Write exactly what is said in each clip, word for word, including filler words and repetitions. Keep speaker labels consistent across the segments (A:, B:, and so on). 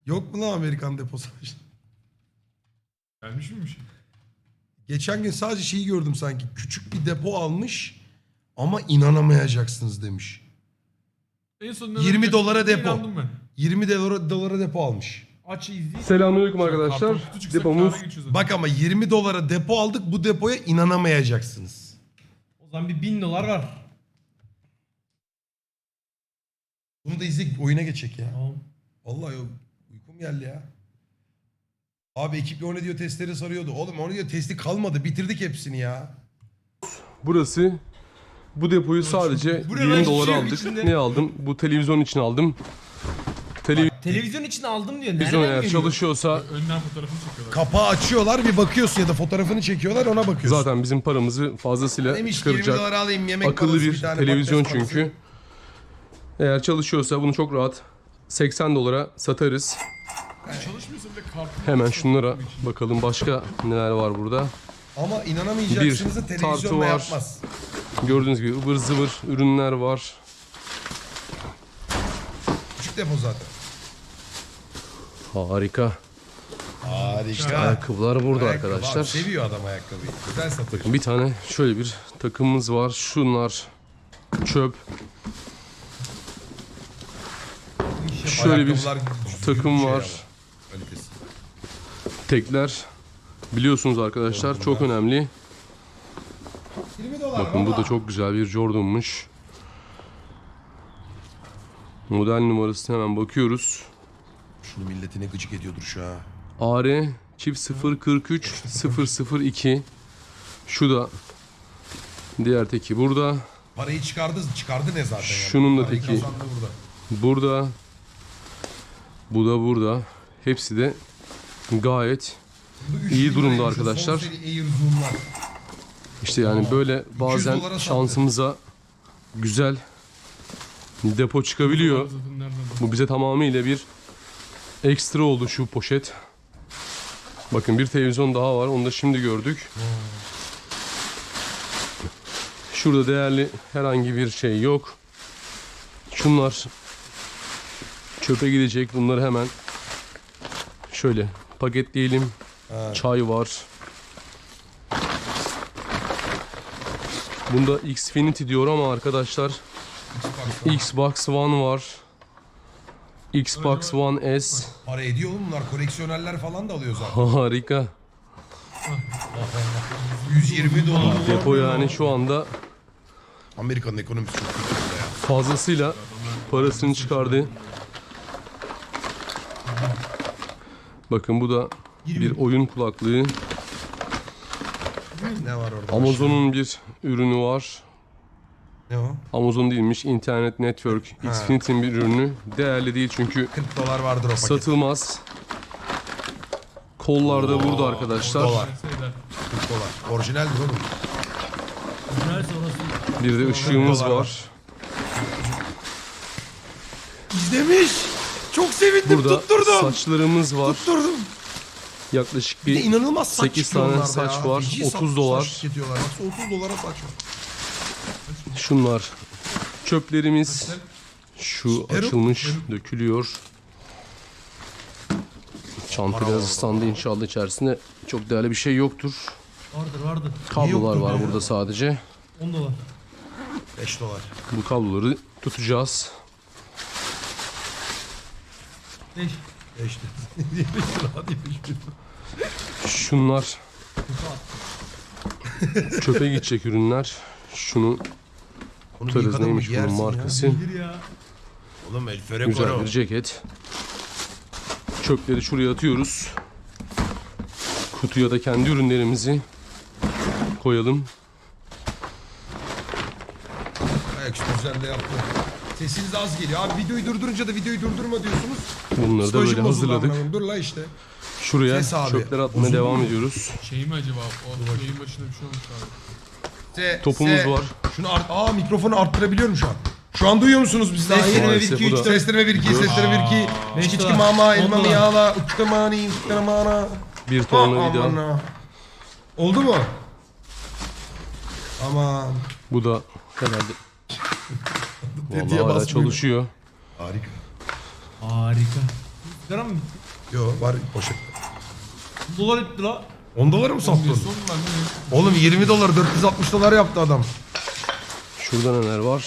A: Yok mu lan Amerikan deposu?
B: Gelmiş miymiş?
A: Geçen gün sadece şeyi gördüm sanki. Küçük bir depo almış ama inanamayacaksınız demiş.
B: En son
A: yirmi dolara depo.
B: İnandım ben.
A: yirmi dolara, dolara depo almış.
B: Aç izleyin.
C: Selamünaleyküm arkadaşlar.
B: Karton kutu çıksa
C: Depomuz
B: kâra geçiyoruz zaten.
A: Bak ama yirmi dolara depo aldık, bu depoya inanamayacaksınız.
D: O zaman bir bin dolar var.
A: Bunu da izleyip oyuna geçecek ya.
D: Tamam.
A: Vallahi yok, uykum geldi ya. Abi ekiple o ne diyor testleri sarıyordu. Oğlum o ne diyor testi kalmadı, bitirdik hepsini ya.
C: burası. Bu depoyu sadece
D: Bu ne lan?
C: yirmi
D: Hiçbir
C: dolara
D: şey yok
C: aldık.
D: içinde.
C: Ne aldım? Bu televizyon için aldım. Televizyon
D: Televizyon için aldım diyor. Nereden
C: eğer
D: geliyor?
C: çalışıyorsa
B: Önden fotoğrafını çekiyorlar.
A: Kapağı açıyorlar, bir bakıyorsun ya da fotoğrafını çekiyorlar, ona bakıyorsun.
C: zaten bizim paramızı fazlasıyla
A: Demiş ki yirmi dolara
C: çıkaracak
A: alayım, yemek
C: akıllı
A: parası,
C: bir
A: tane
C: televizyon
A: patates parası.
C: çünkü. Eğer çalışıyorsa bunu çok rahat seksen dolara satarız.
B: Çalışmıyorsa bile karton.
C: Hemen şunlara bakalım, başka neler var burada.
A: Ama inanamayacaksınız da
C: Bir tartı
A: televizyonla
C: var.
A: yapmaz.
C: Gördüğünüz gibi ıvır zıvır ürünler var.
A: Küçük depo zaten.
C: Harika.
A: Harika.
C: Ayakkabılar burada
A: Ayakkabı
C: arkadaşlar.
A: abi, seviyor adam ayakkabıyı. Güzel satıyor.
C: Bir tane şöyle bir takımımız var. Şunlar çöp. Şöyle bir
A: Ayakkabılar düzgün
C: takım
A: şey
C: var.
A: ama, kalitesi.
C: Tekler. Biliyorsunuz arkadaşlar çok önemli.
A: yirmi dolar
C: Bakın bu da çok güzel bir Jordan'mış. Model numarasına hemen bakıyoruz.
A: Şunu milletine gıcık ediyordur şu an.
C: A R çift sıfır kırk üç sıfır sıfır iki. Şu da diğer teki burada.
A: Parayı çıkardı, çıkardı ne zaten yani.
C: Şunun da
A: Parayı
C: teki.
A: kazandı burada.
C: Burada. Bu da burada. Hepsi de gayet
A: Bu üç
C: İyi
A: bin
C: durumda
A: liraymış o
C: arkadaşlar.
A: son seri Air Zoom'lar.
C: işte yani böyle bazen
A: dolara sattı.
C: şansımıza güzel depo çıkabiliyor.
B: Zaten nereden?
C: Bu bize tamamıyla bir ekstra oldu şu poşet. Bakın bir televizyon daha var. Onu da şimdi gördük. Şurada değerli herhangi bir şey yok. Şunlar çöpe gidecek. Bunları hemen şöyle paketleyelim.
A: Ha.
C: Çay var. Bunda Xfinity diyor ama arkadaşlar Xbox One var. Xbox One S.
A: Para ediyor oğlum bunlar. Koleksiyonerler falan da alıyor zaten.
C: Harika.
A: yüz yirmi dolar.
C: Depo yani şu anda
A: Amerika'nın ekonomisi çok kötü burada ya.
C: fazlasıyla parasını çıkardı. Bakın bu da bir oyun kulaklığı.
A: Ne var orada?
C: Amazon'un bir ürünü var.
A: Ne o?
C: Amazon değilmiş, Internet Network. Xfinity'nin bir ürünü. Değerli değil çünkü
A: kırk dolar vardır o paket.
C: satılmaz. Kollar da burada arkadaşlar.
A: dolar.
B: Şeyler.
A: kırk dolar. Orijinaldir oğlum.
D: Güzel sonrası.
C: Bir de ışığımız
A: dolar var.
C: var.
A: İzlemiş. Çok sevindim.
C: Burada
A: tutturdum.
C: saçlarımız var.
A: Tutturdum.
C: Yaklaşık
A: Bir de
C: bir
A: inanılmaz saç
C: sekiz
A: çıkıyor
C: tane
A: onlarda
C: saç
A: ya.
C: var.
A: Feci
C: otuz
A: saç-
C: dolar.
A: Saç tüketiyorlar. Bak otuz dolara saç var.
C: şunlar. Çöplerimiz. Şu
A: Peruk.
C: açılmış, dökülüyor. Çanta biraz ıslandı inşallah, içerisinde çok değerli bir şey yoktur.
D: Vardır vardır.
C: Kablolar
A: yoktur
C: var
A: be?
C: burada sadece.
D: on dolar.
A: beş dolar.
C: Bu kabloları tutacağız.
D: beş.
A: beş dolar.
C: Şunlar çöpe gidecek ürünler. Şunu
A: Onu
C: tutarız,
A: yıkadın mı
C: neymiş bunun
A: giyersin ya.
C: markası.
D: Bir ya.
A: Oğlum El
C: Güzel
A: Ferrecoro.
C: bir ceket. Çöpleri şuraya atıyoruz. Kutuya da kendi ürünlerimizi koyalım.
A: Ayaküstü güzel de yaptı. Sesiniz az geliyor. Abi videoyu durdurunca da videoyu durdurma diyorsunuz.
C: Bunları da
A: Psikolojim
C: böyle
A: bozuldu
C: hazırladık.
A: amına koyayım. Dur la işte.
C: Şuraya
A: Ses abi.
C: çöpler atmaya
A: Bozuldu
C: devam
A: mu?
C: ediyoruz.
B: Şey mi acaba? O yayın başında bir şey olmuş abi.
A: Se,
C: Topumuz
A: se.
C: var.
A: Şunu art Aa mikrofonu arttırabiliyorum şu an. Şu an duyuyor musunuz bizi?
D: Seslenme
C: Maalesef
D: bir iki
C: bu
D: üç
C: da-
D: dört.
A: Seslenme bir iki, seslenme bir iki.
D: beş
A: İçki
D: dolar,
A: mama,
D: on
A: elma
D: dolar.
A: miyala, uktamani, uktamana.
C: Bir tornavida.
A: Aman. Oldu mu? Aman.
C: Bu da herhalde
A: Tetiğe
C: vallahi hala
A: basmıyor.
C: çalışıyor.
A: Harika.
D: Harika. Sigara mı bitti?
A: Yo var poşet.
D: Dolar etti la.
A: on dolara mı
B: Son
A: sattın?
B: son ben de
A: Oğlum yirmi dolar dört yüz altmış dolar yaptı adam.
C: Şurada neler var?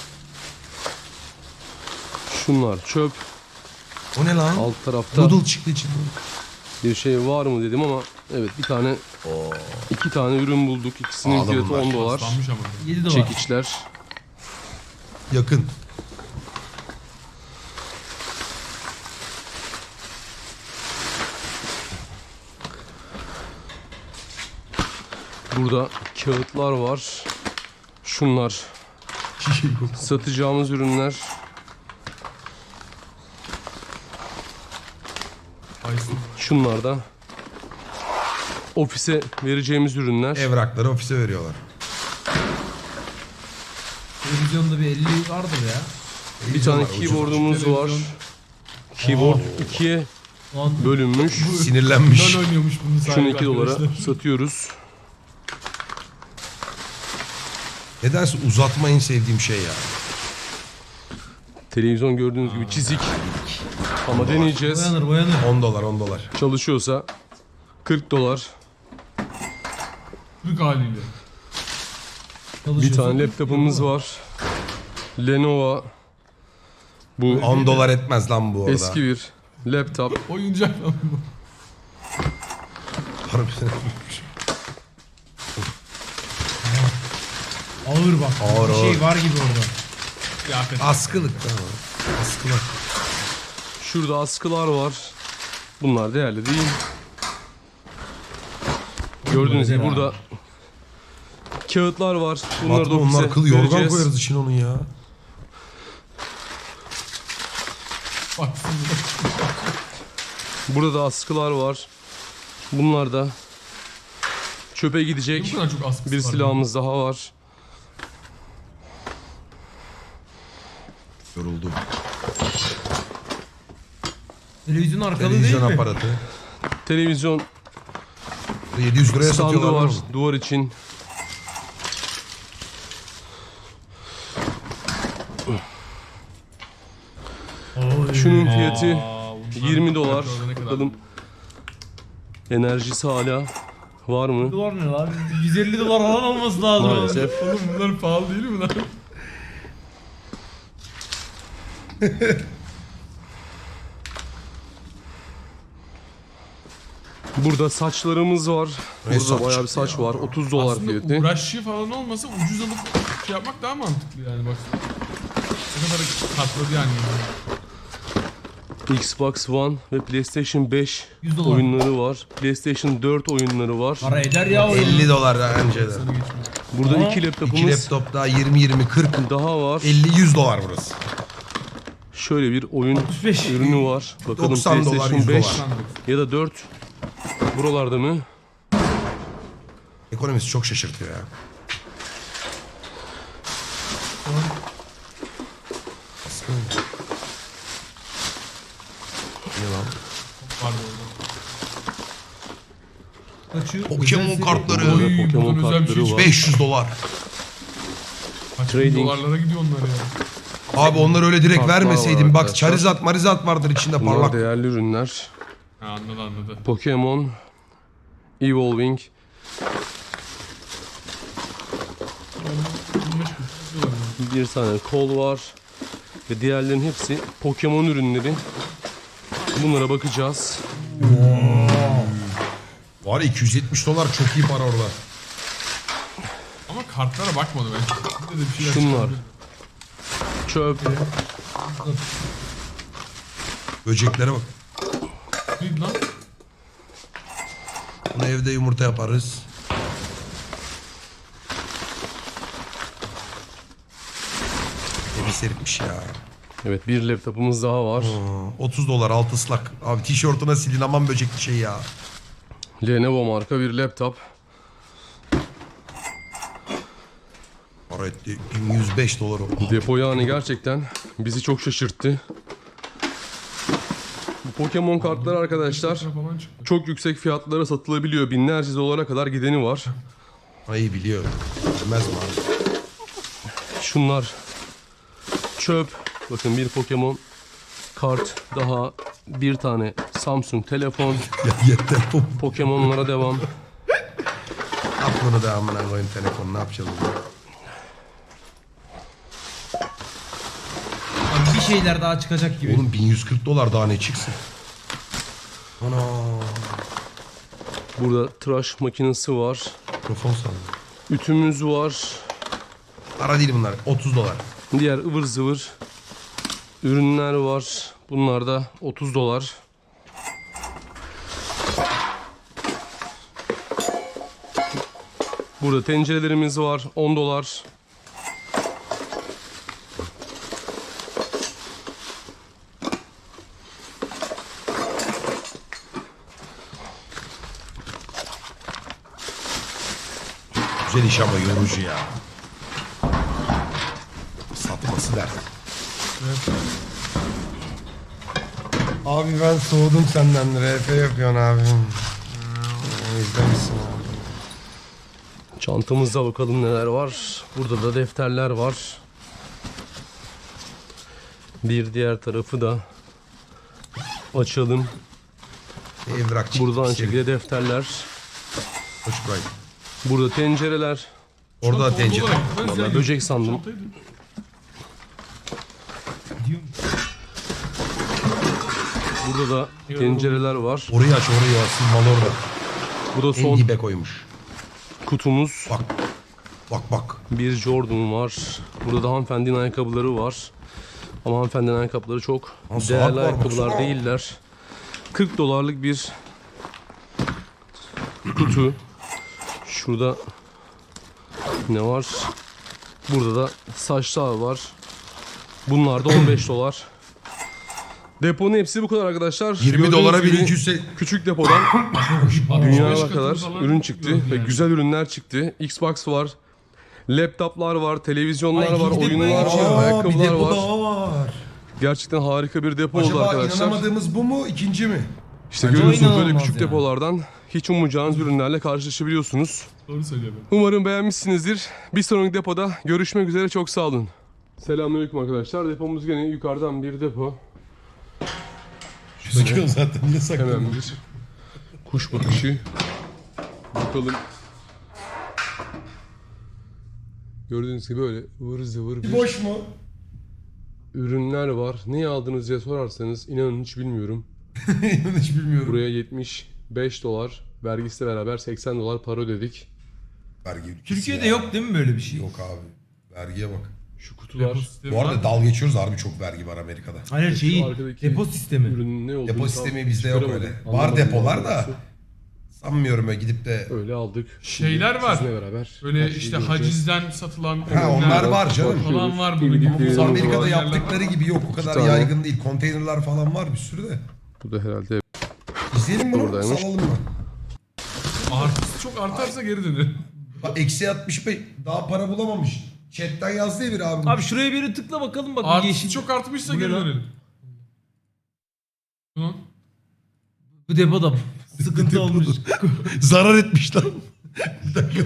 C: Şunlar çöp.
A: O ne lan?
C: Alt tarafta
A: Noodle çıktı içinden.
C: bir şey var mı dedim ama evet bir tane iki tane ürün bulduk. İkisinin
A: Pahalı
C: fiyatı
A: bunlar.
C: on dolar.
B: paslanmış ama.
D: yedi dolar.
C: Çekiçler.
A: Yakın.
C: Burada kağıtlar var. Şunlar satacağımız ürünler.
B: Aysun.
C: Şunlar da ofise vereceğimiz ürünler.
A: Evrakları ofise veriyorlar.
D: Televizyonda bir elli vardır ya.
C: Bir tane
A: var, ucuz.
C: keyboardumuz var. Keyboard ikiye
D: Lan
C: bölünmüş.
A: Sinirlenmiş.
B: LOL oynuyormuş bunun sahibi.
C: Şunu iki dolara
B: arkadaşlar.
C: satıyoruz.
A: Nedense uzatma en sevdiğim şey ya.
C: Televizyon gördüğünüz gibi çizik. Ama deneyeceğiz.
D: boyanır boyanır.
A: on dolar on dolar.
C: Çalışıyorsa kırk dolar.
B: Türk haliyle.
C: Bir
D: Çalışıyorsun.
C: tane laptopumuz var. Lenovo. Bu
A: on dolar etmez lan bu orada.
C: eski bir laptop.
B: Oyuncak lan bu.
A: Harbiden.
D: Ağır bak.
A: Ağır,
D: bir şey
A: ağır.
D: var gibi orada.
B: Kıyafet.
A: Askılık tamam. Askılar.
C: Şurada askılar var. Bunlar değerli değil. Gördüğünüz gibi
D: Güzel
C: burada kağıtlar var. Bunları da
A: Batman
C: ofise
A: onlar kıl yorgan
C: vereceğiz.
A: koyarız için onun ya.
B: Baksın.
C: Burada da askılar var. Bunlar da çöpe
B: Niye
C: gidecek.
B: bu kadar çok askısı
C: Bir
B: var
C: silahımız daha var.
A: Yoruldum.
D: Televizyon arkalı
A: Televizyon
D: değil mi?
A: aparatı.
C: Televizyon
A: yedi yüz liraya
C: standı
A: satıyorlar.
C: var
A: Var.
C: duvar için.
D: Oy.
C: Şunun fiyatı
B: Aa, bunlar
C: yirmi dolar.
B: ne kadar?
C: Bakalım enerjisi hala var mı?
D: Dolar ne lan? yüz elli dolar falan olması lazım.
C: Maalesef.
B: Oğlum bunlar pahalı değil mi lan?
C: Burada saçlarımız var.
A: Ne
C: Burada
A: saç
C: bayağı bir saç var. otuz dolar
B: Aslında
C: fiyatı.
B: uğraşı falan olmasa ucuz alıp şey yapmak daha mantıklı yani bak. Ne kadar katladı yani.
C: Xbox One ve PlayStation beş
D: yüz dolar.
C: oyunları var. PlayStation dört oyunları var.
D: Para eder ya o.
A: elli dolar önce de.
B: Sana geçmiyor.
C: Burada
D: Aa,
C: iki
A: İki
C: laptopumuz
A: laptop daha yirmi yirmi kırk
C: daha var.
A: elli yüz dolar burası.
C: Şöyle bir oyun
D: altmış beş.
C: ürünü var. Bakalım
A: doksan dolar,
C: PlayStation
A: yüz
C: beş
A: dolar.
C: ya da dört buralarda mı?
A: Ekonomisi çok şaşırtıyor ya. Askı mı? Ne lan?
B: Var bu arada.
D: Kaçıyor.
A: Pokemon
D: Özel seri-
A: kartları.
C: Burada
B: Oy,
C: Pokemon
B: buradan özel bir şey
C: kartları var.
A: beş yüz dolar.
B: Kaç bin
C: Trading.
B: dolarlara gidiyor onlar ya.
A: Abi onlar öyle direkt
C: Kartlar
A: vermeseydin.
C: var
A: Bak
C: arkadaşlar.
A: Charizard Marizard vardır içinde
C: Bunlar
A: parlak.
C: değerli ürünler.
B: Ha, anladı anladı.
C: Pokemon Evolving. Bir tane kol var. Ve diğerlerin hepsi Pokemon ürünleri. Bunlara bakacağız.
A: Var ya iki yüz yetmiş dolar çok iyi para orada.
B: Ama kartlara bakmadı ben. Bir de bir şeyler
C: Şunlar.
B: çıkardı.
C: Çöp.
A: Böceklere bak.
B: Neydi lan?
A: Bunu evde yumurta yaparız. Evi seripmiş ya.
C: Evet bir laptopumuz daha var.
A: Aa, otuz dolar altı ıslak. Abi tişörtüne silin aman böcekli şey ya.
C: Lenovo marka bir laptop.
A: Para etti bin yüz beş dolar o.
C: Depo yani gerçekten bizi çok şaşırttı. Bu Pokemon kartları arkadaşlar
B: Falan çıktı.
C: çok yüksek fiyatlara satılabiliyor. Binlerce dolara kadar gideni var.
A: Ay biliyor. Bilmez mi abi?
C: Şunlar çöp. Bakın bir Pokemon kart daha bir tane Samsung telefon.
A: Ya yeter.
C: Pokemon'lara devam.
A: Aklını da amına koyun telefonu ne yapacağız burada?
D: Abi bir şeyler daha çıkacak gibi.
A: Oğlum bin yüz kırk dolar daha ne çıksın? Ana.
C: Burada tıraş makinesi var.
A: Mikrofon sandım.
C: Ütümüz var.
A: Para değil bunlar. otuz dolar.
C: Diğer ıvır zıvır ürünler var. Bunlar da otuz dolar. Burada tencerelerimiz var. on dolar.
A: Güzel iş ama yorucu ya. Satması dert. Abi ben soğudum senden. R P yapıyorsun abim. İzlemişsin abi.
C: Çantamızda bakalım neler var. Burada da defterler var. Bir diğer tarafı da açalım.
A: Evrak çıktı.
C: Burada aynı
A: bir şey.
C: şekilde defterler.
A: Hoş buradayım.
C: Burada tencereler.
A: Orada da
B: Çanta
A: tencere.
B: olarak ben
C: Vallahi
B: zengin.
C: böcek sandım.
B: Çantaydı.
D: Diyorum.
C: Burada da tencereler var.
A: Orayı aç orayı asıl mal orada.
C: Bu da
A: En
C: son
A: dibe koymuş.
C: kutumuz.
A: Bak. Bak bak.
C: Bir Jordan var. Burada da hanımefendinin ayakkabıları var. Ama hanımefendinin ayakkabıları çok
A: Lan saat
C: değerli
A: var,
C: ayakkabılar
A: baksana.
C: değiller. kırk dolarlık bir kutu. Şurada ne var? Burada da saçlar var. Bunlar da on beş dolar. Deponun hepsi bu kadar arkadaşlar.
A: yirmi
C: Gördüğünüz
A: dolara
C: gibi
A: bin iki yüz.
C: küçük depodan
B: altmış beş
C: dünyaya
B: katı
C: kadar
B: falan
C: ürün çıktı
B: yok
C: ve
B: yani.
C: güzel ürünler çıktı. Xbox var, laptoplar var, televizyonlar
D: Ay,
C: var,
D: ikinci
C: oyunlar
D: depoya
C: var,
D: geçiyor.
C: ayakkabılar var.
A: var.
C: Gerçekten harika bir depo oldu
A: Acaba
C: arkadaşlar.
A: inanamadığımız bu mu ikinci mi?
C: İşte
D: Bence
C: görüyorsunuz
D: o
C: böyle
D: inanılmaz
C: küçük
D: yani.
C: depolardan hiç ummayacağınız ürünlerle karşılaşabiliyorsunuz.
B: Doğru söylüyor ben.
C: Umarım beğenmişsinizdir. Bir sonraki depoda görüşmek üzere, çok sağ olun. Selamünaleyküm arkadaşlar. Depomuz gene yukarıdan bir depo.
A: Gözüküyor zaten. Niye sakladın?
C: Hemen bir kuş bakışı. Bakalım. Gördüğünüz gibi böyle ıvır zıvır bir
A: Boş mu?
C: ürünler var. Ne aldınız diye sorarsanız inanın hiç bilmiyorum.
A: Hiç bilmiyorum.
C: Buraya yetmiş beş dolar, vergisiyle beraber seksen dolar para ödedik.
A: Vergi ülkesi
D: Türkiye'de
A: ya.
D: yok değil mi böyle bir şey?
A: Yok abi. Vergiye bak.
C: Şu kutular,
B: Depo sistemi
A: Bu arada
B: var.
A: dal geçiyoruz harbi çok vergi var Amerika'da.
D: Hayır şeyi
C: arkadaki
D: depo sistemi.
C: ürünün ne olduğunu
A: Depo
C: tam
A: sistemi bizde yok
C: çıkaramadım.
A: öyle. Var
C: Anlamadım
A: depolar da.
C: doğrusu.
A: Sanmıyorum öyle gidip de.
C: Öyle aldık.
B: Şeyler
C: Şimdi
B: var.
C: sizinle beraber
B: Böyle
C: her şeyi
B: işte
C: göreceğiz.
B: hacizden satılan
A: Ha
B: ürünler
A: onlar var canım.
B: falan var
C: Gibi
B: bunun.
C: gibi
B: Ama bu
C: yerimiz
A: Bu
C: var.
A: Amerika'da
B: yerler-
A: yaptıkları gibi yok. O kadar
C: tane.
A: yaygın değil. Konteynerler falan var bir sürü de.
C: Bu da herhalde
A: İzleyelim bunu.
C: Buradaymış.
A: Salalım mı?
B: Artist çok artarsa geri dönür.
A: Bak eksi altmış beş daha para bulamamış. Chatten yazdı ya bir abi.
D: Abi şuraya bir tıkla bakalım bak.
B: Artist
D: yeşil.
B: çok artmışsa
D: Bu ne
B: geri
D: lan?
B: dönelim. Hı?
D: Bu depoda sıkıntı olmuş.
A: Zarar etmiş lan. Bir dakika.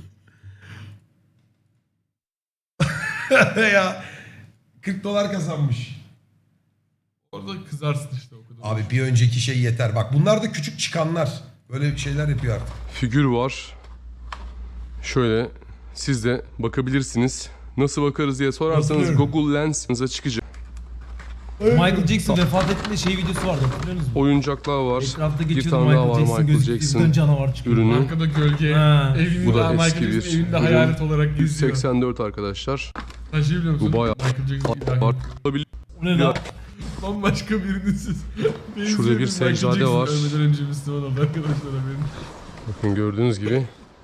A: ya kırk dolar kazanmış.
B: Orada kızarsın işte o kadar.
A: Abi bir önceki şey yeter. Bak bunlar da küçük çıkanlar. Böyle şeyler yapıyor artık.
C: figür var. Şöyle siz de bakabilirsiniz. Nasıl bakarız diye sorarsanız
A: Bakıyorum.
C: Google Lens'inize çıkacak.
D: Michael Jackson vefat ettiğinde şey videosu vardı hatırlıyor musunuz?
C: Oyuncaklar var.
D: Etrafta
C: Bir
D: geçiyordu
C: tane daha var
D: Michael Jackson
C: Michael
D: gözüküyor.
C: Jackson
D: Birden canavar çıkıyor.
C: ürünü.
B: Arkada gölge,
D: Ha.
B: evinde
C: Bu da
B: Michael
C: eski
B: Jackson
C: bir
B: evinde
C: ürün.
B: hayalet olarak
C: yüz
B: geziyor.
C: seksen dört arkadaşlar.
B: Sen şey biliyor musun?
C: Bu bayağı
B: Michael Jackson ilahi.
C: Var. Olabilir.
D: O ne lan?
B: Bambaşka birinin siz.
C: Şurada bir seccade var.
B: Ölmeden önce Müslüman oldu arkadaşlar haberin.
C: Bakın gördüğünüz gibi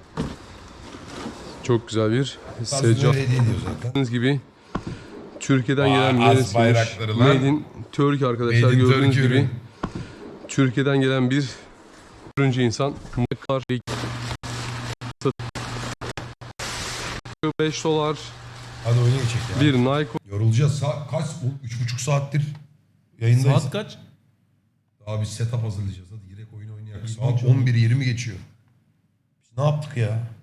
C: çok güzel bir
A: Seccade
C: seccade.
A: hediye ediyor zaten.
C: Gördüğünüz gibi Türkiye'den
A: Vay,
C: gelen bir
A: az
C: resmiymiş.
A: bayrakları lan.
C: Made in Turkey arkadaşlar,
A: Made in
C: gördüğünüz
A: Turkey
C: gibi.
A: ürün.
C: Türkiye'den gelen bir ürüncü insan. beş dolar
A: Hadi oyuna geçecek ya.
C: bir Nike
A: Yorulacağız. Sa kaç? üç buçuk saattir yayındayız.
D: Saat kaç?
A: Daha biz setup hazırlayacağız. Hadi girek oyun oynayalım. Saat on bir yirmi geçiyor. Biz ne yaptık ya?